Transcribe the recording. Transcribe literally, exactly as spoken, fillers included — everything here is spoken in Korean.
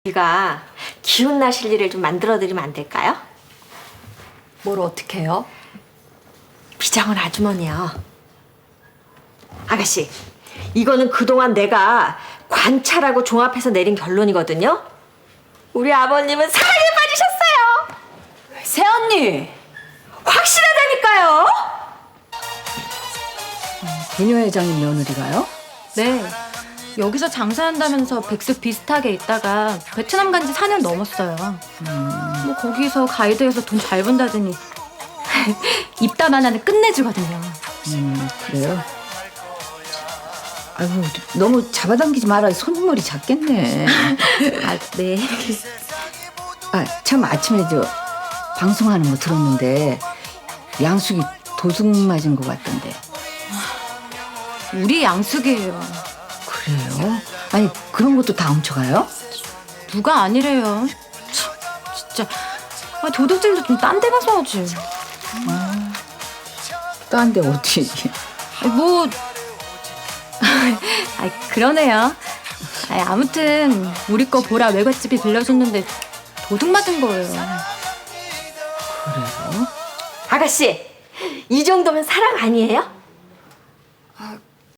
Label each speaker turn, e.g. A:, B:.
A: 우리가 기운 나실 일을 좀 만들어 드리면 안 될까요?
B: 뭘 어떻게 해요?
A: 비장은 아주머니요. 아가씨, 이거는 그동안 내가 관찰하고 종합해서 내린 결론이거든요. 우리 아버님은 사랑에 빠지셨어요.
B: 새언니!
A: 확실하다니까요.
B: 부녀 회장님 며느리가요?
C: 네. 여기서 장사한다면서 백수 비슷하게 있다가 베트남 간 지 사 년 넘었어요. 음. 뭐 거기서 가이드해서 돈 잘 번다더니 입담 하나는 끝내주거든요.
B: 음, 그래요? 아이고, 너무 잡아당기지 마라. 손머리 작겠네.
C: 아, 네.
B: 아, 참 아침에 저 방송하는 거 들었는데 양숙이 도둑 맞은 것 같던데.
C: 우리 양숙이에요.
B: 그래요? 아니, 그런 것도 다 훔쳐가요?
C: 누가 아니래요. 참, 진짜. 아, 도둑질도 좀 딴 데 가서 하지.
B: 딴 데 어디.
C: 아, 뭐. 아, 그러네요. 아, 아무튼 우리 거 보라 외갓집이 빌려줬는데 도둑 맞은 거예요.
B: 그래요?
A: 아가씨, 이 정도면 사랑 아니에요?
B: 아,